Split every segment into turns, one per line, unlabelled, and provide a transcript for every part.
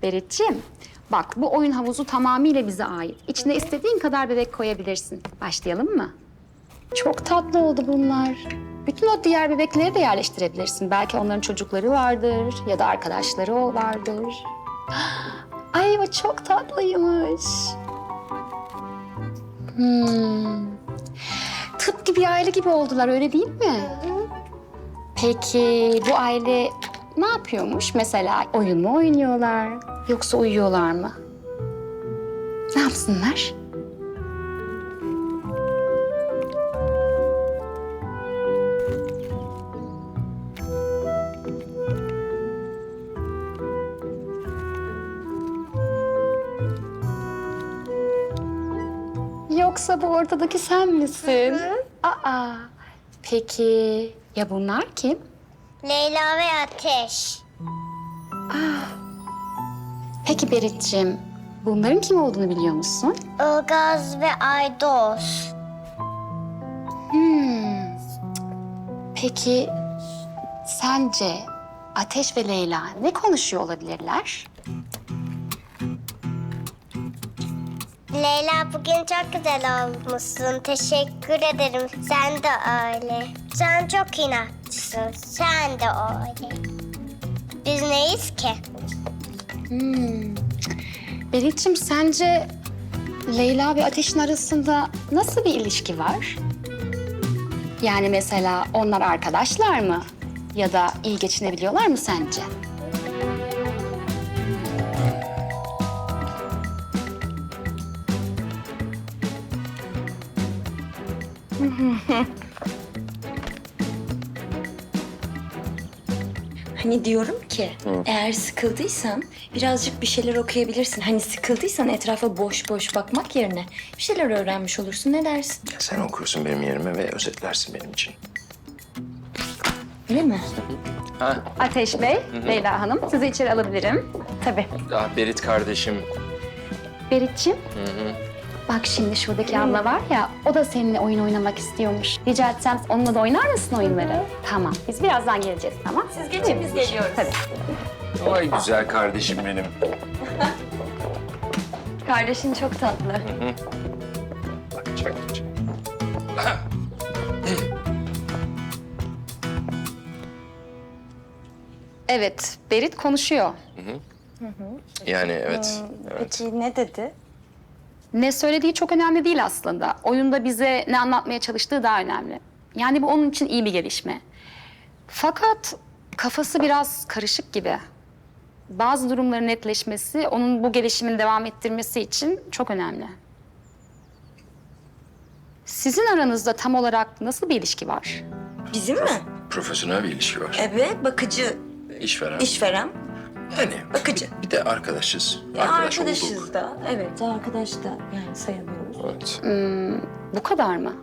Berit'ciğim, bak bu oyun havuzu tamamıyla bize ait. İçine istediğin kadar bebek koyabilirsin. Başlayalım mı? Çok tatlı oldu bunlar. Bütün o diğer bebekleri de yerleştirebilirsin. Belki onların çocukları vardır ya da arkadaşları vardır. Ay o çok tatlıymış. Tıpkı bir aile gibi oldular, öyle değil mi? Peki bu aile ne yapıyormuş? Mesela oyun mu oynuyorlar yoksa uyuyorlar mı? Ne yapsınlar? Yoksa bu ortadaki sen misin? Aa, peki ya bunlar kim?
Leyla ve Ateş.
Peki Berit'ciğim, bunların kim olduğunu biliyor musun?
Ilgaz ve Aydos.
Peki sence Ateş ve Leyla ne konuşuyor olabilirler?
Leyla bugün çok güzel olmuşsun. Teşekkür ederim. Sen de öyle. Sen çok inatlısın. Sen de öyle. Biz neyiz ki?
Berit'ciğim sence Leyla ve Ateş'in arasında nasıl bir ilişki var? Yani mesela onlar arkadaşlar mı? Ya da iyi geçinebiliyorlar mı sence?
Hani diyorum ki eğer sıkıldıysan birazcık bir şeyler okuyabilirsin. Hani sıkıldıysan etrafa boş boş bakmak yerine bir şeyler öğrenmiş olursun. Ne dersin?
Sen okursun benim yerime ve özetlersin benim için.
Öyle mi?
Ateş Bey, Leyla Hanım sizi içeri alabilirim. Tabii.
Berit kardeşim.
Berit'ciğim. Bak şimdi şuradaki abla var ya, o da seninle oyun oynamak istiyormuş. Rica etsem onunla da oynar mısın oyunları? Tamam, biz birazdan geleceğiz, tamam?
Siz geçin, biz geliyoruz.
Tabii.
Vay güzel kardeşim benim.
Kardeşin çok tatlı.
Bakacak.
Evet, Berit konuşuyor.
Yani evet. Evet.
Peki ne dedi?
Ne söylediği çok önemli değil aslında. Oyunda bize ne anlatmaya çalıştığı daha önemli. Yani bu onun için iyi bir gelişme. Fakat kafası biraz karışık gibi. Bazı durumların netleşmesi, onun bu gelişimin devam ettirmesi için çok önemli. Sizin aranızda tam olarak nasıl bir ilişki var?
Bizim mi?
Profesyonel bir ilişki var.
Evet, bakıcı,
İşveren.
işveren.
Yani
Bakıcı.
bir de arkadaşız.
Arkadaşız
olduk.
da. Evet, arkadaş da yani sayılıyoruz.
Evet.
Bu kadar mı?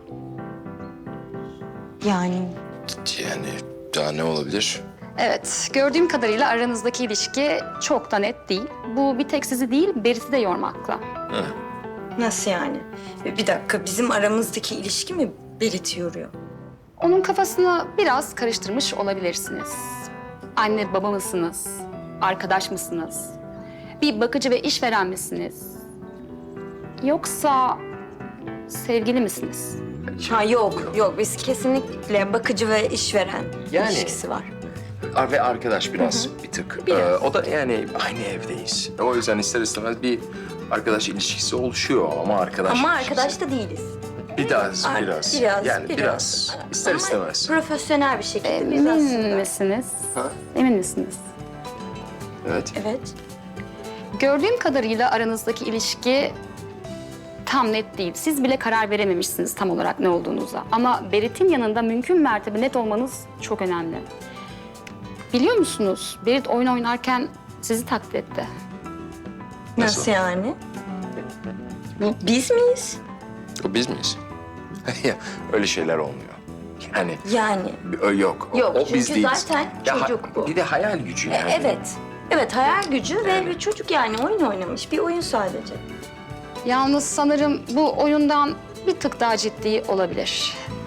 Yani
Yani daha ne olabilir?
Evet, gördüğüm kadarıyla aranızdaki ilişki çok da net değil. Bu bir tek sizi değil, Berit'i de yormakla.
nasıl yani? Bir dakika, bizim aramızdaki ilişki mi Berit'i yoruyor?
Onun kafasını biraz karıştırmış olabilirsiniz. Anne baba mısınız? Arkadaş mısınız? Bir bakıcı ve işveren misiniz? Yoksa sevgili misiniz?
Ha yok biz kesinlikle bakıcı ve işveren
Yani-
ilişkisi var.
Ve arkadaş biraz bir tık.
Biraz.
O da yani aynı evdeyiz. O yüzden ister istemez bir arkadaş ilişkisi oluşuyor ama arkadaş
Ama
ilişkisi-
arkadaş da değiliz.
Biraz. Yani biraz. İster
Ama
istemez.
profesyonel bir şekilde biz
Emin
aslında.
misiniz?
Ha?
Emin misiniz?
Evet.
Evet.
Gördüğüm kadarıyla aranızdaki ilişki tam net değil. Siz bile karar verememişsiniz tam olarak ne olduğunuza. Ama Berit'in yanında mümkün mertebe net olmanız çok önemli. Biliyor musunuz? Berit oyun oynarken sizi taklit etti.
Nasıl yani? Biz miyiz?
O biz miyiz? Ya, öyle şeyler olmuyor. Yani
Yani.
yok.
Yok,
o
çünkü
biz değiliz.
zaten çocuk bu.
Bir de hayal gücü yani.
Evet. Evet, hayal gücü ve bir çocuk yani oyun oynamış. Bir oyun sadece.
Yalnız sanırım bu oyundan bir tık daha ciddi olabilir.